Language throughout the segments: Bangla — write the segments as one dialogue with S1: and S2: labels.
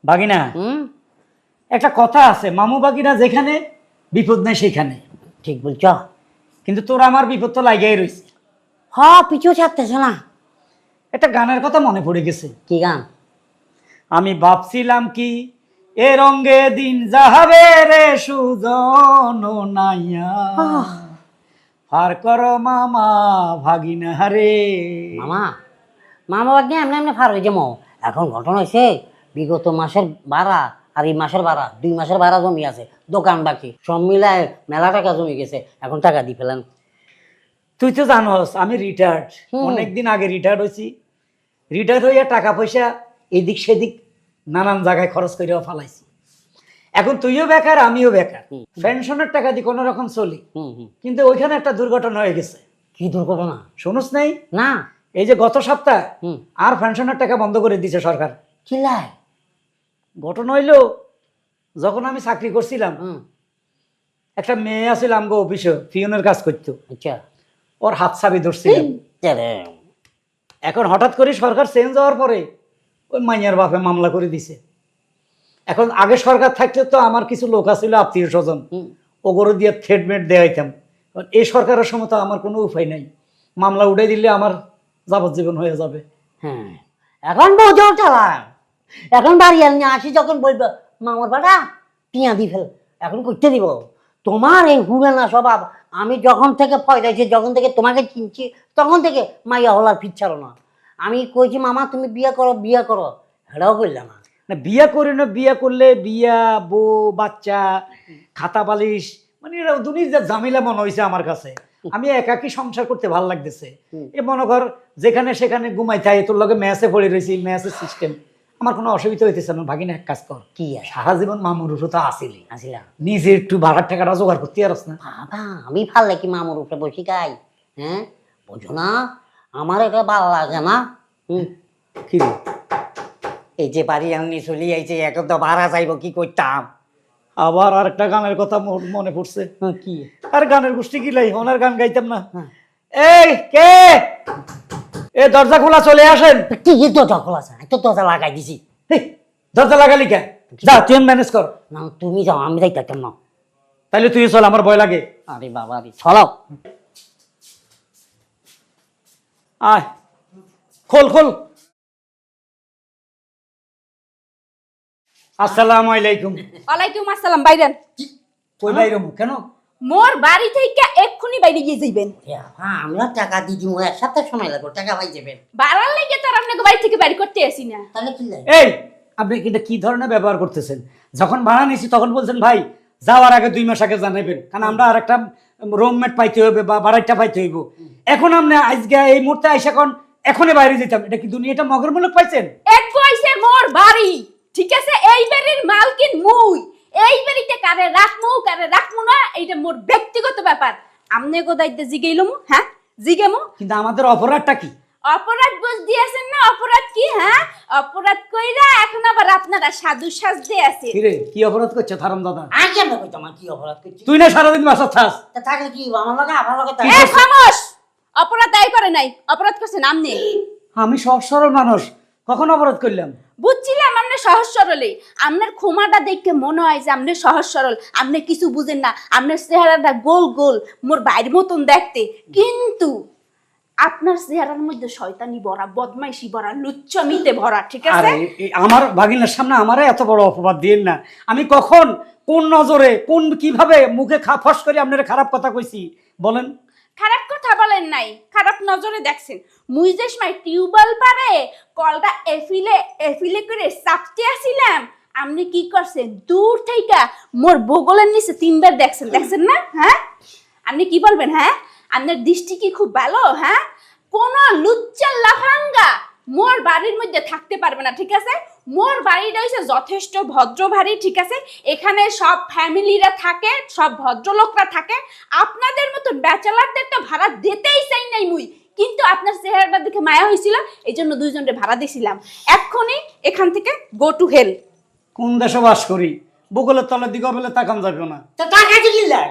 S1: বাগিনা একটা কথা আছে, মামু বাগিনা যেখানে বিপদ নাই সেখানে।
S2: ঠিক বলছ।
S1: কিন্তু তোর আমার বিপদ তো লাগাই রয়েছে।
S2: পিছু ছাড়তেছে না।
S1: একটা গানের কথা মনে পড়ে গেছে।
S2: কি গান?
S1: আমি ভাবছিলাম কি এ রঙ্গে দিন যাবে রে সুজন নাইয়া, পার কর মামা ভাগিনা রে।
S2: মামা মামা বাদ নিয়ে এমনি এমনি ফার হয়ে যাবো। এখন ঘটনা হয়েছে, বিগত মাসের ভাড়া আর এই মাসের ভাড়া, 2 মাসের ভাড়া জমি আছে, দোকান বাকি, সব মিলায় মেলা টাকা জমি গেছে। এখন টাকা দিয়ে ফেলেন।
S1: তুই তো জানোস আমি রিটায়ার্ড, অনেকদিন আগে রিটায়ার্ড হয়েছি। রিটায়ার্ড হইয়া টাকা পয়সা এদিক সেদিক নানান জায়গায় খরচ করেও ফালাইছি। এখন তুইও বেকার আমিও বেকার, পেনশনের টাকা দিয়ে কোনো রকম চলি। কিন্তু ওইখানে একটা দুর্ঘটনা হয়ে গেছে।
S2: কি দুর্ঘটনা?
S1: শুনুস নাই?
S2: না।
S1: এই যে গত সপ্তাহ আর পেনশনের টাকা বন্ধ করে দিয়েছে সরকার।
S2: চিল্লায়।
S1: ঘটনা হইলো, যখন আমি চাকরি করছিলাম একটা মেয়ে আছিল আমগো অফিসে, পিয়নের কাজ করতো।
S2: আচ্ছা।
S1: ওর হাত চাবি ধরছিলাম। এখন হঠাৎ করে সরকার চেঞ্জ হওয়ার পরে ওই মাইয়ার বাপে মামলা করে দিছে। এখন আগে সরকার থাকলে তো আমার কিছু লোক আছিল আত্মীয় স্বজন, ওগরো দিয়ে থ্রেডমেট দেওয়াইতাম। এই সরকারের সময় তো আমার কোনো উপায় নাই, মামলা উঠাই দিলে আমার যাবজ্জীবন হয়ে যাবে।
S2: হ্যাঁ, এখন বোঝাও চালা। এখন বাড়ি নিয়ে আসি যখন বলবো মামার বাড়া টিয়া দি ফেল, এখন করতে দিব। তোমার এই হুড়ানা স্বভাব আমি যখন থেকে ফয়দাইছি, যখন থেকে তোমাকে চিনছি তখন থেকে মাইয়া হলার ফিরছাড়ো না। আমি কইছি মামা তুমি বিয়ে করো বিয়ে করো, হেটাও করলাম না।
S1: না বিয়া করি না, বিয়া করলে বিয়া বউ বাচ্চা খাতা বালিশ মানে এরা দুনিয়ার ঝামেলা মনে হয়েছে আমার কাছে। আমি একাকি সংসার করতে ভালো লাগতেছে। এ মনে কর যেখানে সেখানে ঘুমাই থাকে, তোর লগে ম্যাচে পড়ে রয়েছি, ম্যাচের সিস্টেম আমার কোনো অসুবিধা হইতেছে না। ভাগিনা এক কাজ কর,
S2: কি
S1: সারা জীবন মামুর উপর তো আসিলি,
S2: আসিলাম
S1: নিজে একটু ভাড়ার টাকাটা জোগাড় করতে পারস না?
S2: বাবা আমি ভাল লাগি মামুর উপরে বসি গাই। হ্যাঁ বোঝো না, আমার এটা ভালো লাগে না।
S1: কি রে?
S2: এই যে বাড়ি আমি চলি আইছে, এখন তো ভাড়া চাইব, কি করতাম?
S1: আবার আর একটা গানের কথা মনে পড়ছে।
S2: কি?
S1: আর গানের গোষ্ঠী কি লাই, ওনার গান গাইতাম না। এই কে, এ দরজা খোলা, চলে আসেন।
S2: কি দরজা খোলা আছে? তো দরজা লাগাই দিছি।
S1: দরজা লাগালি কে? যা তুই ম্যানেজ কর।
S2: না তুমি যাও, আমি যাইতাম না।
S1: তাইলে তুই চল, আমার ভয় লাগে।
S2: আরে বাবা রে, চলাও।
S1: আয়, খোল খোল। আসসালামু আলাইকুম।
S3: ওয়ালাইকুম আসসালাম। বাইরেন।
S1: কই বাইরে কেন?
S3: মোর বাড়ি থেকে এক্ষুনি বাইরে গিয়ে যাইবেন।
S2: হ্যাঁ আমরা টাকা দিয়ে দিব, এক সপ্তাহ সময় লাগবে, টাকা পাই যাবেন।
S3: বাড়ার লেগে তো আর আপনাকে বাড়ি থেকে বাইরে করতে আসি না।
S2: তাহলে কি লাগে?
S1: এই আপনি কিন্তু কি ধরনের ব্যবহার করতেছেন? যখন ভাড়া নিছি তখন বলছেন ভাই যাওয়ার আগে 2 মাস আগে জানাইবেন, কারণ আমরা আর একটা রুমমেট পাইতে হবে বা বাড়াইটা পাইতে হইব। এখন আপনি আজকে এই মুহূর্তে আইসা এখনই বাইরে যেতাম, এটা কি দুনিয়াটা মগের মুলুক পাইছেন?
S3: এক বয়সে মোর বাড়ি, ঠিক আছে? এই বাড়ির মালকিন মুই। এই বাড়িতে কারে রাখমু না এইটা মোর ব্যক্তিগত ব্যাপার। আমনে গোদাইতে জিগাইলমু, হ্যাঁ জিগামু।
S1: কিন্তু আমাদের অপরাধটা কি?
S3: অপরাধ বুঝ দিয়েছেন না? অপরাধ কি? হ্যাঁ অপরাধ কইরা এখন আবার আপনারা সাধু সাজতে আছে।
S1: কি রে, কি অপরাধ করছে থারম দাদা?
S2: আর কেন কইতাম কি অপরাধ করছি?
S1: তুই না সারাদিন বাসা থাস।
S2: তা থাকলে কি আমার লগে আমার লগে
S3: এ খামোশ! অপরাধ দায় করে নাই, অপরাধ করছেন আমনে।
S1: আমি সহজ সরল মানুষ, কখন অপরাধ করলাম?
S3: বুঝছিলাম আপনি সহজ সরলে। আপনার ক্ষমাটা দেখে মনে হয় যে আপনি সহজ সরল, আপনি কিছু বুঝেন না। আপনার চেহারাটা গোল গোল মোর বাইরের মতন দেখতে, কিন্তু আপনার চেহারার মধ্যে শয়তানি ভরা, বদমাইশি ভরা, লুচ্চামিতে ভরা, ঠিক আছে?
S1: আরে আমার ভাগিনার সামনে আমারে এত বড় অপবাদ দিয়েন না। আমি কখন কোন নজরে কোন কিভাবে মুখে ফস করে আপনারা খারাপ কথা কইছি বলেন?
S3: খারাপ কথা বলেন নাই, খারাপ নজরে দেখছেন। মুই যে সময় টিউবওয়েল পারে কলটা এফিলে করে চাপতে আসিলাম, আপনি কি করছেন? দূর থেকে মোর বগলের নিচে 3 বার দেখছেন না? হ্যাঁ আপনি কি বলবেন? হ্যাঁ আপনার দৃষ্টি কি খুব ভালো? হ্যাঁ কোন লুচ্চা লাফাঙ্গা মোর বাড়ির মধ্যে থাকতে পারবে না, ঠিক আছে? মোর বাড়িটা হইছে যথেষ্ট ভদ্র বাড়ি, ঠিক আছে? এখানে সব ফ্যামিলিরা থাকে, সব ভদ্রলোকরা থাকে। আপনাদের মতো ব্যাচেলারদের তো ভাড়া দিতেই চাই নাই মুই, কিন্তু আপনার চেহারাটা দেখে মায়া হয়েছিল, এই জন্য 2 জনকে ভাড়া দিয়েছিলাম। এক্ষুনি এখান থেকে গো টু হেল।
S1: কোন দেশে বাস করি, বগলের তলের দিকে বলে তাকান যাবে না।
S2: তা টাকা দিয়ে কি লাগে?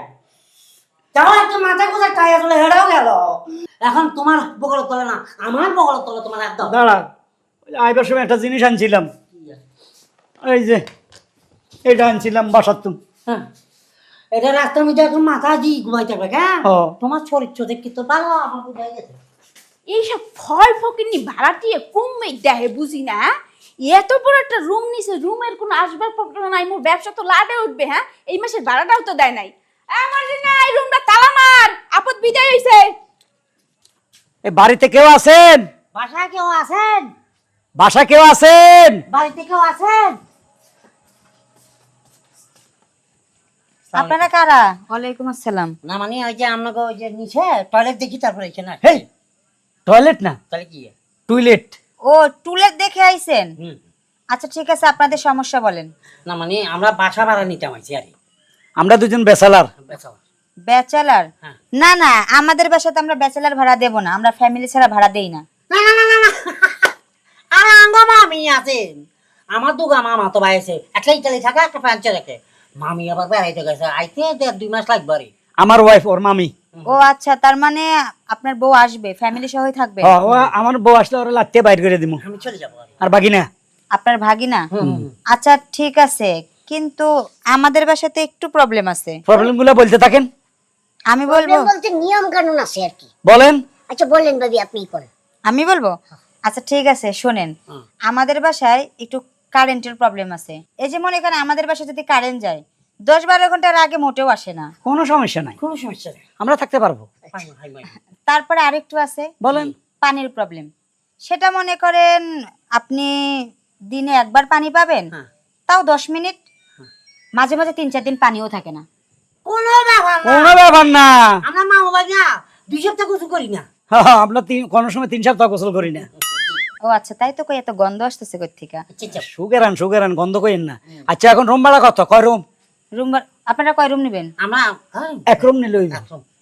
S2: তাও একটা মাথা কোথা টাই আসলে হেড়াও গেল। এখন তোমার বগল তলে না, আমার বগল তলে তোমার একদম।
S1: দাঁড়া, আইবার সময় একটা জিনিস আনছিলাম। এই যে এটা আনছিলাম বাসার তুমি।
S2: হ্যাঁ এটা রাস্তার মধ্যে এখন মাথা দিয়ে ঘুমাইতে হবে হ্যাঁ
S1: ও।
S2: তোমার চরিত্র দেখি তো ভালো আমার বুঝাই গেছে।
S3: এইসব ফল ফকিনি ভাড়া দিয়ে কমে দেহে বুঝি না হ্যাঁ? এত বড় একটা রুম নিছে, রুমের কোনো আসবাবপত্র নাই, মোর ব্যবসা তো লাডে উঠবে। হ্যাঁ, এই মাসের ভাড়াটাও তো দেয় নাই। আমার যে না, এই রুমটা তালা মার, আপদ বিদায় হইছে।
S1: এই বাড়িতে কেউ আছেন?
S2: বাসায় কেউ আছেন?
S1: বাসায় কেউ আছেন?
S2: বাড়িতে কেউ আছেন?
S4: আপনারা কারা? ওয়ালাইকুম আসসালাম।
S2: না মানে ওই যে আপনাকে ওই যে নিচে টয়লেট দেখি তারপরে এখানে আসছি।
S1: হেই, টয়লেট না,
S2: তাহলে কি
S1: টয়লেট।
S4: ও টুলেট দেখে আইছেন?
S2: হুম।
S4: আচ্ছা ঠিক আছে, আপনাদের সমস্যা বলেন।
S2: না মানে আমরা বাসা ভাড়া নিতে আইছি আর
S1: আমরা দুজন বেসালার।
S4: ব্যাচেলার?
S2: হ্যাঁ।
S4: না না, আমাদের বাসাতে আমরা ব্যাচেলার ভাড়া দেব না, আমরা ফ্যামিলি ছাড়া ভাড়া দেই না।
S2: না না না না না আর আঙ্গ মামি আছেন, আমার দুগা মামা তো বাইছে একটা ইটালি থাকা একটা ফ্রান্সে রাখে, মামি আবার বেড়াইতে গেছে, আইতে 1.5-2 মাস লাগবে আরে।
S1: আমার ওয়াইফ, ওর মামি।
S4: ও আচ্ছা, তার মানে আপনার বউ আসবে, ফ্যামিলি সহই থাকবে?
S1: ও আমার বউ আসলে ওরা লাত্তে বাইর করে দিব।
S2: আমি চলে যাবো আরে।
S1: আর বাকি না,
S4: আপনার ভাগিনা? আচ্ছা ঠিক আছে, কিন্তু আমাদের বাসাতে একটু প্রবলেম আছে।
S1: প্রবলেম গুলো বলতে থাকেন।
S4: আমি বলবো?
S5: বলতে নিয়ম কানুন আছে আর কি।
S1: বলেন।
S5: আচ্ছা বললেন ভাবি, আপনিই করেন।
S4: আমি বলবো? আচ্ছা ঠিক আছে, শোনেন।
S2: হুম।
S4: আমাদের বাসায় একটু কারেন্টের প্রবলেম আছে। এই যে মনে করেন আমাদের বাসায় যদি কারেন্ট যায় 10-12 ঘন্টার আগে মোটেও আসে না।
S1: কোনো সমস্যা নাই,
S2: কোনো সমস্যা নেই।
S1: আমরা থাকতে পারবো।
S2: হাই হাই হাই।
S4: তারপরে আরেকটু আছে,
S1: বলেন।
S4: পানির প্রবলেম। সেটা মনে করেন আপনি দিনে একবার পানি পাবেন,
S2: হ্যাঁ।
S4: তাও 10 মিনিট। মাঝে মাঝে 3-4 দিন পানিও থাকে না।
S2: কোনো ব্যাপার না,
S1: কোনো ব্যাপার না।
S2: আমরা মামা বাড়ি না 2 সপ্তাহ কিছু করি না।
S1: আমরা কোনো সময় 3 সপ্তাহ গোসল করি না।
S4: ও আচ্ছা, তাই তো কই এত গন্ধ আসতেছে কই থেকে?
S2: আচ্ছা
S1: সুগেরান গন্ধ কইেন না। আচ্ছা এখন রুম ভাড়া কত? কয় রুম?
S4: রুম আপনারা কয় রুম নেবেন?
S2: আমরা
S1: এক রুম নিলে হইব।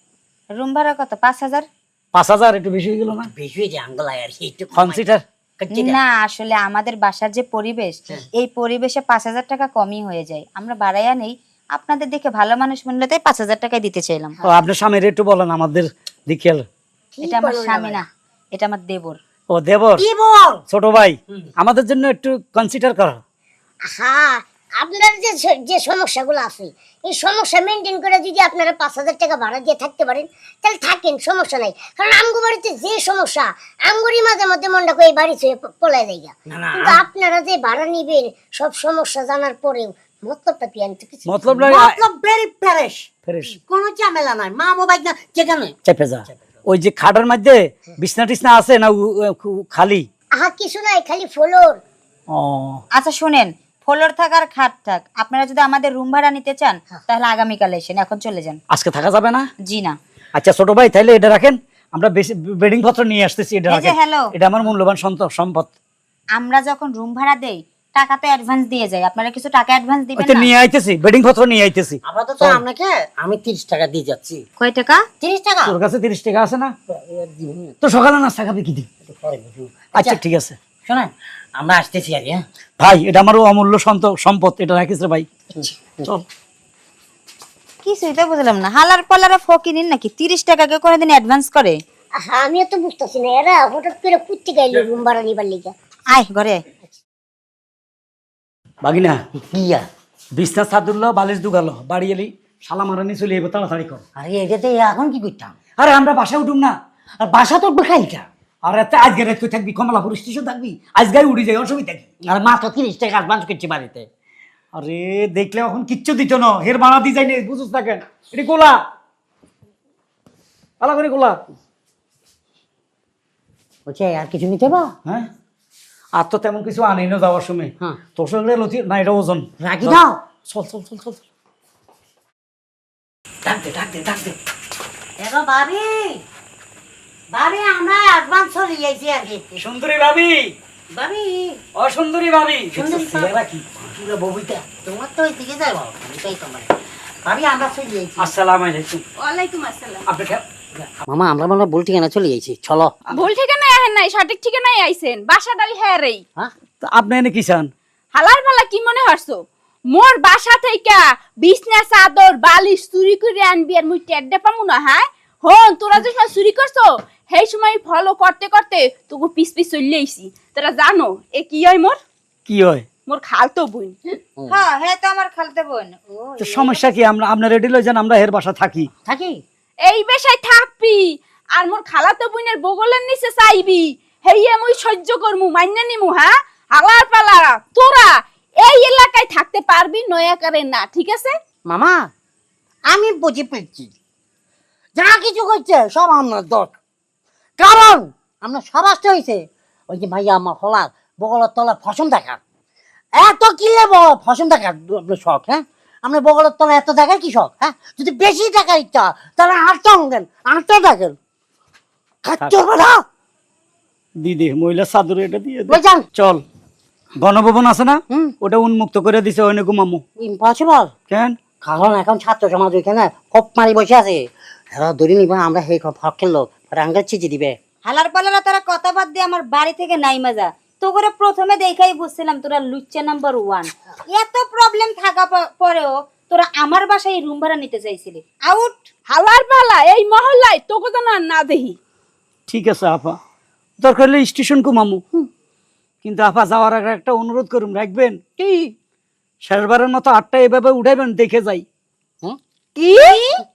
S4: রুম ভাড়া কত? 5,000?
S1: 5,000 একটু বেশি হয়ে গেল না?
S2: বেশি হয়ে যায় আঙ্গলায় আর কি, একটু
S1: কনসিডার।
S4: না আসলে আমাদের বাসার যে পরিবেশ, এই পরিবেশে 5,000 টাকা কমই হয়ে যায়। আমরা বাড়াইয়া নেই, আপনাদের দেখে ভালো মানুষ মনে তাই 5,000 টাকায় দিতে চাইলাম।
S1: ও আপনার স্বামীর একটু বলেন আমাদের দিকে।
S4: এটা আমার স্বামী না, এটা আমার দেবর।
S1: ও দেবর,
S2: কি বল?
S1: ছোট ভাই, আমাদের জন্য একটু কনসিডার করো।
S5: হ্যাঁ, আপনার যে যে সমস্যাগুলো আছে, এই সমস্যা মেনটেন করে যদি আপনারা 5,000 টাকা ভাড়া দিয়ে থাকতে পারেন, তাহলে থাকেন, সমস্যা নাই। কারণ আমগো বাড়িতে যে সমস্যা, আমগোরই মাঝে মধ্যে মনটা করে এই বাড়ি ছুঁয়ে পলায় দেয়।
S2: না, না,
S5: কিন্তু আপনারা যে ভাড়া নিবেন সব সমস্যা জানার পরেও মতলবটা কি আমি তো কিছু
S1: মতলব না,
S2: মতলব ভেরি ফ্রেশ,
S1: ফ্রেশ
S2: কোনো ঝামেলা নাই। মামা বাড়ি না যেখানে
S1: চেপে যা। ওই যে খাটের মধ্যে বিছনা টিছনা আছে না খালি?
S5: আহা কিছু নাই, খালি ফ্লোর।
S1: ও
S4: আচ্ছা শুনেন, ফ্লোর থাক আর খাট থাক, আপনারা যদি আমাদের রুম ভাড়া নিতে চান তাহলে আগামীকাল এসেন, এখন চলে যান।
S1: আজকে থাকা যাবে না?
S4: জি না।
S1: আচ্ছা ছোট ভাই, তাহলে এটা রাখেন, আমরা বেডিং পত্র নিয়ে আসতেছি। এটা
S4: এই যে
S1: রাখেন,
S4: hello।
S1: এটা আমার মূল্যবান সম্পদ।
S4: আমরা যখন রুম ভাড়া দেই টাকা তো অ্যাডভান্স দিয়ে যাই, আপনারা কিছু টাকা অ্যাডভান্স দিবেন
S1: ওইটা
S4: না?
S1: নিয়ে আইতেছি, বেডিং পত্র নিয়ে আইতেছি।
S2: আপাতত আপনাকে আমি 30 টাকা দিয়ে যাচ্ছি।
S4: কয় টাকা?
S2: 30 টাকা
S1: তোর কাছে 30 টাকা আছে না? তো সকালে নাস্তা খাবে কি দি?
S2: পরে বুঝবো।
S1: আচ্ছা ঠিক আছে
S2: শোনেন, আমরা আসতেছি আর হ্যাঁ।
S1: ভাই, এটা আমার অমূল্য সম্পদ, এটা রাখিস রে ভাই। চল।
S4: কিছুই তো বুঝলাম না, হালার পালারা ফকিনিন নাকি 30 টাকা কে কোনোদিন অ্যাডভান্স করে?
S5: আহা আমিও তো বুঝতেছি না, এরা হঠাৎ করে কুত্তি গাইলো রুম ভাড়া নিবার লিগা।
S4: আয় ঘরে।
S1: বাগিনা,
S2: কিয়া
S1: বিছনা চাদুল্লো বালিশ দুগালো, বাড়ি এলি শালা মারানি চলে এবো, তাড়াতাড়ি কর।
S2: আরে এটাতে এখন কি করতাম?
S1: আরে আমরা বাসায় উঠুম না?
S2: আর বাসা তো বেখাইটা।
S1: আর এত আজকে রাত তুই থাকবি, কমলাপুর স্টেশন থাকবি, আজকে উড়ি যাই, অসুবিধা কি?
S2: আর মাত্র 30 টাকা অ্যাডভান্স করছি বাড়িতে।
S1: আরে দেখলে এখন কিচ্ছু দিত না, হের বাড়া দি যাই নে, বুঝুস না কেন? এটি গোলা পালা করে গোলা।
S2: বলছে আর কিছু নিতে বা?
S1: হ্যাঁ, আর তো তেমন কিছু আনেই না যাওয়ার সময়।
S2: হ্যাঁ।
S1: তোর সঙ্গে লতি না, এটা ওজন
S2: রাখি দাও।
S1: চল চল চল চল। ডাক দে।
S2: দেখো ভাবি, ভাবি আমরা অ্যাডভান্স চলে যাইছি আর কি।
S1: সুন্দরী ভাবি,
S2: ভাবি
S1: অসুন্দরী ভাবি,
S2: সুন্দরী
S1: ছেলেরা কি?
S2: পুরো বউটা তোমার তো ওইদিকে যাই বাবা, এটাই তোমার। ভাবি আমরা চলে যাইছি।
S1: আসসালামু আলাইকুম।
S3: ওয়ালাইকুম আসসালাম।
S1: আপনি
S2: মামা আমরা মনে হয় ভুল ঠিকানা চলে যাইছি, চলো।
S3: ভুল ঠিকানায় আহেন নাই, সঠিক ঠিকানায় আইছেন। বাসা ডালি হ্যাঁ রেই।
S2: হ্যাঁ
S1: আপনি এনে কি চান?
S3: হালার পালা কি মনে হরছো? মোর বাসা থেকে বিছনা চাদর বালিশ চুরি করে আনবি আর মুই টেড্ডে পামু না? হ্যাঁ হন, তোরা যে সময় চুরি করছো সেই সময় ফলো করতে করতে তোকে পিস চলে আইছি। তোরা জানো এ কি হয় মোর?
S1: কি হয়?
S3: মোর খালতো বোন।
S4: হ্যাঁ হ্যাঁ তো আমার খালতে বোন। ও
S1: তো সমস্যা কি? আমরা আপনার রেডি লই যান, আমরা হের বাসা থাকি।
S2: থাকি
S3: এই বেশায় থাকবি আর মোর খালাতো বোনের বগলের নিচে চাইবি, হেইয়ে মুই সহ্য করমু, মাইনা নিমু। হ্যাঁ, হালার পালা তোরা এই এলাকায় থাকতে পারবি, নয়া করে না, ঠিক আছে?
S2: মামা, আমি বুঝে পেয়েছি যা কিছু করছে সব আমার দোষ। কারণ আমরা সব আসতে হয়েছে ওই যে ভাইয়া আমার হলার বগলের তলা ফসম দেখার। এত কি ফসম দেখার আপনার শখ? হ্যাঁ, আমরা বগলের তলা এত দেখার কি শখ? হ্যাঁ, যদি বেশি দেখার ইচ্ছা তাহলে আটটা দেন, আটটা দেখেন। খাচ্ছ না
S1: দিদি মহিলা চাদর এটা দিয়ে দে।
S2: বুঝছেন?
S1: চল, গণভবন আছে না,
S2: হুম।
S1: ওটা উন্মুক্ত করে দিছে, ওইনে ঘুমামু।
S2: ইম্পসিবল।
S1: কেন?
S2: কারণ এখন ছাত্র সমাজ ওইখানে কপ মারি বসে আছে, এরা ধরে নিবা আমরা সেই ফকের লোক আঙ্গার চিঠি দিবে।
S4: হালার পালারা তারা কথা বাদ দিয়ে আমার বাড়ি থেকে নাই মাজা। তো করে প্রথমে দেখাই বুঝছিলাম তোরা লুচ্চা নাম্বার 1। এত প্রবলেম থাকা পরেও তোরা আমার বাসায় রুম ভাড়া নিতে চাইছিলি। আউট।
S3: হালার পালা এই মহল্লায় তোকে তো না দেখি।
S1: ঠিক আছে আপা, দরকার হলে স্টেশন ঘুমামু। কিন্তু আপা যাওয়ার আগে একটা অনুরোধ করুন, রাখবেন
S3: কি?
S1: শেষবারের মতো 8টা এভাবে উঠাইবেন, দেখে যাই।
S3: কি?